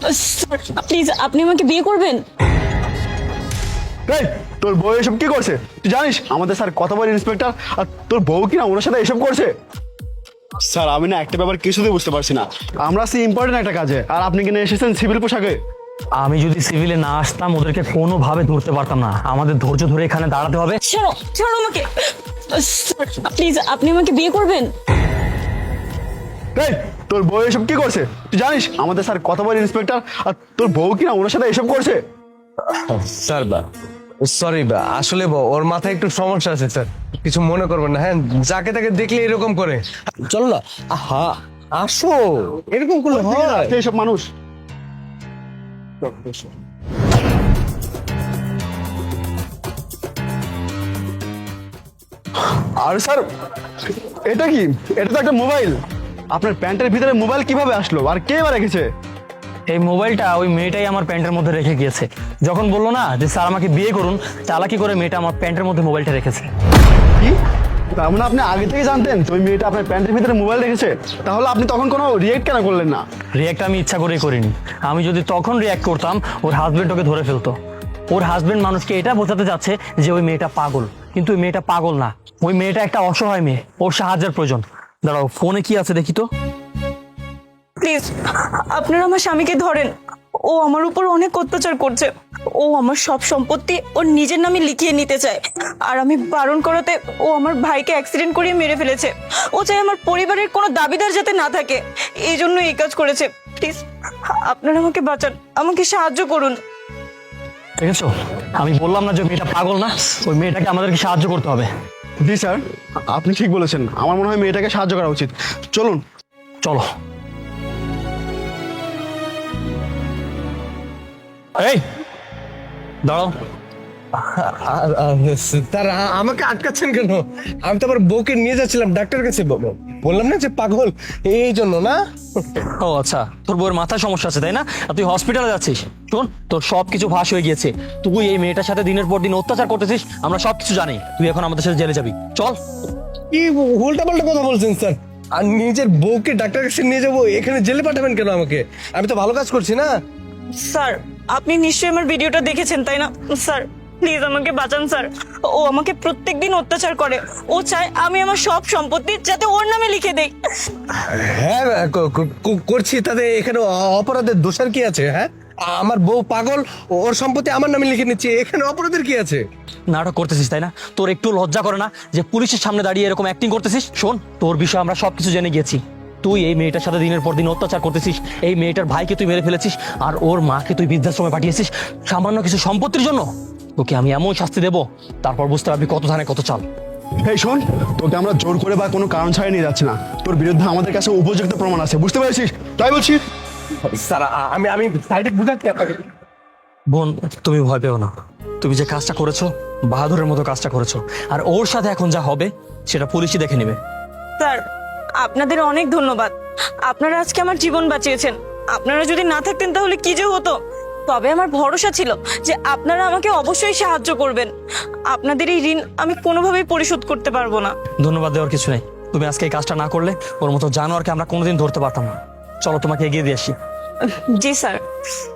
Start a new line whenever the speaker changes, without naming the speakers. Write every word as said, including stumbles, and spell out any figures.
Please আপনি আমাকে বিয়ে করবেন?
এই তোর বউ এসব কি করছে তুই জানিস? আমাদের স্যার কত বড় ইন্সপেক্টর, আর তোর বউ কিনা ওনার সাথে এসব করছে। স্যার আমি না একটা ব্যাপার কিছুতেই বুঝতে পারছি না, আমরা সে ইম্পর্টেন্ট একটা কাজে আর আপনি কিনা এসেছেন সিভিল পোশাকে।
আমি যদি সিভিলে না আসতাম ওদেরকে কোনোভাবে ধরতে পারতাম না। আমাদের ধৈর্য ধরে এখানে দাঁড়াতে হবে।
ছাড়ো ছাড়ো আমাকে, প্লিজ আপনি আমাকে বিয়ে করবেন?
এই তোর বউ এসব কি করছে তুই জানিস? আমাদের স্যার কত বড় ইন্সপেক্টর, আর তোর বউ কিনা ওনার সাথে এসব করছে।
স্যার বা সরি বা আসলে ব- ওর মাথায় একটু সমস্যা আছে স্যার, কিছু মনে করবেন না। হ্যাঁ, যাকে তাকে দেখলে এরকম করে। চলো না, আহা আসো, এরকম করলে হয়?
এইসব মানুষ। আর স্যার এটা কি? এটা তো একটা মোবাইল। আপনার প্যান্টের ভিতরে মোবাইল কিভাবে আসলো আর কে বা রেখেছে?
এই মোবাইলটা ওই মেয়েটাই আমার প্যান্টের মধ্যে রেখে গিয়েছে। যখন বললো না যে স্যার আমাকে বিয়ে করুন, চালাকি করে মেয়েটা আমার প্যান্টের মধ্যে মোবাইলটা রেখেছে।
কি তার মানে আপনি আগে থেকে জানতেন তো ওই মেয়েটা আপনার প্যান্টের ভিতরে মোবাইল রেখেছে? তাহলে আপনি তখন কোনো রিয়েক্ট কেন করলেন না?
রিয়াক্ট আমি ইচ্ছা করেই করিনি। আমি যদি তখন রিয়াক্ট করতাম ওর হাজবেন্ড ওকে ধরে ফেলতো। ওর হাজবেন্ড মানুষকে এটা বোঝাতে যাচ্ছে যে ওই মেয়েটা পাগল, কিন্তু ওই মেয়েটা পাগল না। ওই মেয়েটা একটা অসহায় মেয়ে, ওর সাহায্যের প্রয়োজন। দাঁড়াও, ফোনে কি আছে দেখি তো।
প্লিজ আপনারা আমার স্বামীকে ধরেন, ও আমার উপর অনেক অত্যাচার করছে। ও আমার সব সম্পত্তি ওর নিজের নামে লিখিয়ে নিতে চায়, আর আমি বারণ করাতে ও আমার ভাইকে অ্যাক্সিডেন্ট করিয়ে মেরে ফেলেছে। ও চায় আমার পরিবারের কোনো দাবিদার যাতে না থাকে, এই জন্য এই কাজ করেছে। প্লিজ আপনারা আমাকে বাঁচান, আমাকে সাহায্য করুন।
দেখেছো, আমি বললাম না যে ওই মেয়েটা পাগল না। ওই মেয়েটাকে আমাদেরকে সাহায্য করতে হবে।
জি স্যার, আপনি ঠিক বলেছেন। আমার মনে হয় মেয়েটাকে সাহায্য করা উচিত। চলুন।
চলো। এই দাঁড়াও।
আর- আর স্যার আ- আমাকে আটকাচ্ছেন কেন? আমি তো আবার বউকে নিয়ে যাচ্ছিলাম ডাক্তার কাছে। ব- বললাম না যে পাগল, এই জন্য না।
ও আচ্ছা, তোর বউয়ের মাথায় সমস্যা আছে তাই না? আর তুই হসপিটালে যাচ্ছিস। শোন, তোর সব কিছু ফাঁস হয়ে গিয়েছে। তুই এই মেয়েটার সাথে দিনের পর দিন অত্যাচার করতেছিস, আমরা সব কিছু জানি। তুই এখন আমাদের সাথে জেলে যাবি। চল।
কি উল্টা পাল্টা কথা বলছেন স্যার? আর নিজের বউকে ডাক্তার কাছে নিয়ে যাবো, এখানে জেলে পাঠাবেন কেন আমাকে? আমি তো ভালো কাজ করছি না।
স্যার আপনি নিশ্চয়ই আমার ভিডিওটা দেখেছেন তাই না? স্যার প্লিজ আমাকে বাঁচান স্যার। ও আমাকে প্রত্যেকদিন অত্যাচার করে। ও চায় আমি আমার সব সম্পত্তি যাতে ওর নামে লিখে দেই।
হ্যাঁ ক- ক- ক- করছি, তাতে এখানে অ- অপরাধের দোষার কি আছে? হ্যাঁ, আমার বউ পাগল, ওর সম্পত্তি আমার নামে লিখে নিচ্ছে, এখানে অপরাধের কি আছে?
নাটক করতেছিস তাই না? তোর একটু লজ্জা করে না যে পুলিশের সামনে দাঁড়িয়ে এরকম অ্যাক্টিং করতেছিস? শোন, তোর বিষয়ে আমরা সবকিছু জেনে গেছি। তুই এই মেয়েটার সাথে দিনের পর দিন অত্যাচার করতেছিস। এই মেয়েটার ভাইকে তুই মেরে ফেলেছিস, আর ওর মাকে তুই বৃদ্ধাশ্রমে পাঠিয়েছিস সামান্য কিছু সম্পত্তির জন্য। তোকে আমি এমন শাস্তি দেবো, তারপর বুঝতে পারবি কত ধানে কত চাল।
এই শোন, তোকে আমরা জোর করে বা কোনো কারণ ছাড়াই নিয়ে যাচ্ছি না। তোর বিরুদ্ধে আমাদের কাছে উপযুক্ত প্রমাণ আছে, বুঝতে পেরেছিস? তাই বলছি।
স্যার আ- আমি আমি সাইডে বুঝাচ্ছি আপনাকে।
বোন, তুমি ভয় পেও না। তুমি যে কাজটা করেছো, বাহাদুরের মতো কাজটা করেছো। আর ওর সাথে এখন যা হবে সেটা পুলিশই দেখে নেবে।
স্যার আপনাদের অনেক ধন্যবাদ, আপনারা আজকে আমার জীবন বাঁচিয়েছেন। আপনারা যদি না থাকতেন তাহলে কি যে হতো। তবে আমার ভরসা ছিল যে আপনারা আমাকে অবশ্যই সাহায্য করবেন। আপনাদের এই ঋণ আমি কোনোভাবেই পরিশোধ করতে পারবো না।
ধন্যবাদ দেওয়ার কিছু নেই। তুমি আজকে এই কাজটা না করলে ওর মতো জানোয়ারকে আমরা কোনোদিন ধরতে পারতাম না। চলো, তোমাকে এগিয়ে দিয়ে আসি।
জি স্যার।